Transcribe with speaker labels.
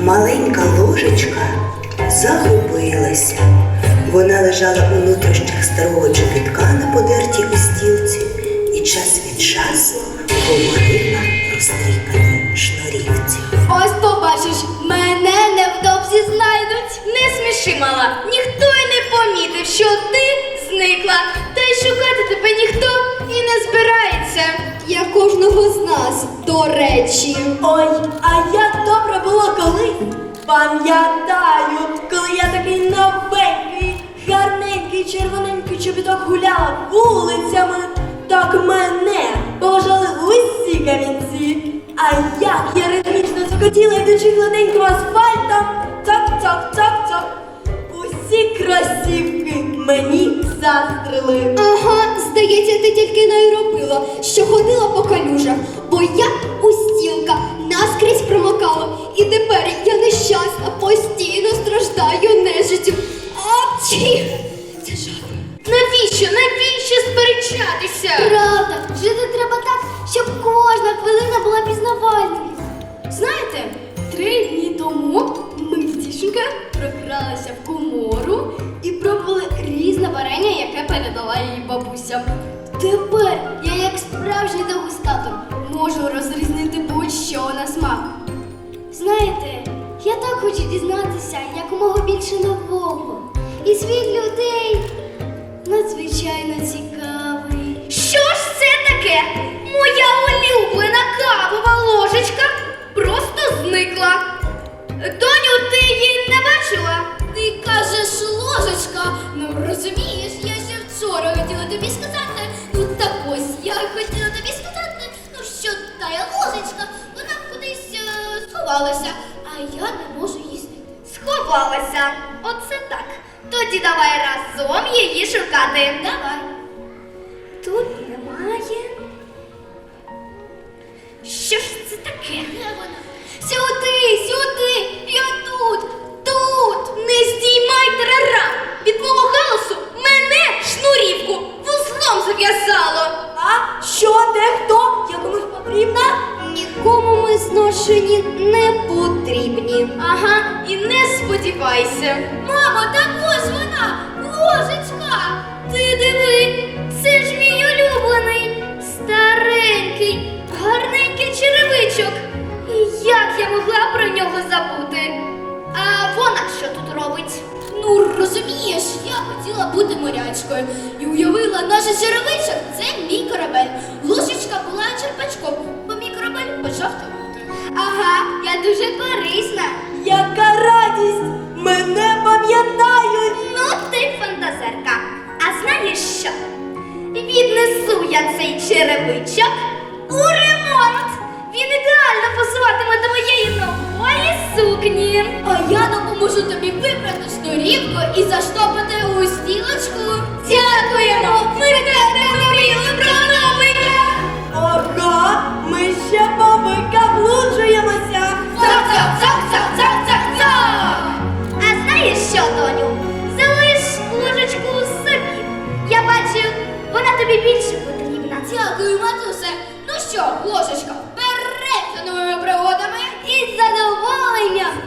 Speaker 1: Маленька ложечка загубилася. Вона лежала у нутрощах старого чобітка на подертій устілці і час від часу говорила розтріпаній шнурівці.
Speaker 2: Ось побачиш, мене невдовзі знайдуть. Не сміши, мала, ніхто й не помітив, що ти зникла. Та й шукати тебе ніхто і не збирається. Я кожного з нас, до речі.
Speaker 3: Ой, а як добре було колись. Пам'ятаю, коли я такий новенький, гарненький, червоненький чобіток гуляла вулицями, так мене поважали усі камінці. А як я ритмічно цокотіла, йдучи гладеньким асфальтом, цок-цок-цок-цок. Усі кросівки мені застрили.
Speaker 2: Ага, здається, ти тільки не й робила, що ходила по калюжах, бо я устілка наскрізь промокала. І тепер я нещасна, постійно страждаю нежиттю. Апчі! Це жах. Навіщо сперечатися? Правда, жити треба так, щоб кожна хвилина була пізнавальною. Знаєте, 3 дні тому ми з дівчинкою прокралися в комору і пробували різне варення, яке передала її бабуся. Тепер я, як справжній дегустатор, можу розрізнити будь-що на смак. Знаєте, я так хочу дізнатися якомога більше нового. І світ людей надзвичайно цікавий. Що ж це таке? Моя улюблена кавова ложечка просто зникла. Доню, ти її не бачила? Ти кажеш ложечка. Ну розумієш, я ще вчора хотіла тобі сказати. Ну так ось, я хотіла тобі сказати, ну що та ложечка, вона кудись сховалася, а я не можу її знайти. Сховалася? Оце так. Тоді давай разом її шукати. Давай. Тут немає. Що ж це таке? Де вона? Сюди, я тут. Не здіймай тарарам. Від мого галасу мене шнурівку вузлом зав'язало.
Speaker 3: А що, де, хто? Я комусь потрібна?
Speaker 2: Нікому ми зношені не потрібні. Ага, і не сподівайся. Мамо, так ось вона, ложечка. Ти диви, це ж мій улюблений, старенький, гарненький черевичок. І як я могла про нього забути? А вона що тут робить? Ну, розумієш, я хотіла бути морячкою і уявила, наш черевичок – це мій корабель. Ложечка була черпачком, бо мій корабель почав тонути. Ага, я дуже корисна.
Speaker 3: Яка радість! Мене пам'ятають!
Speaker 2: Ну ти фантазерка. А знаєш що? Віднесу я цей черевичок у ремонт. Він ідеально пасуватиме до моєї нової сукні. А я допоможу тобі вибрати шнурівку і заштопати у стілочку. Дякуємо! Ми тебе мріяли про новика!
Speaker 3: Ага, ми ще повикаблуджуємося!
Speaker 2: Цок-цок-цок-цок-цок-цок! А знаєш що, доню? Залиш ложечку собі. Я бачу, вона тобі більше потрібна. Дякую, матусе. Ну що, ложечка, вперед за новими пригодами. Із задоволенням.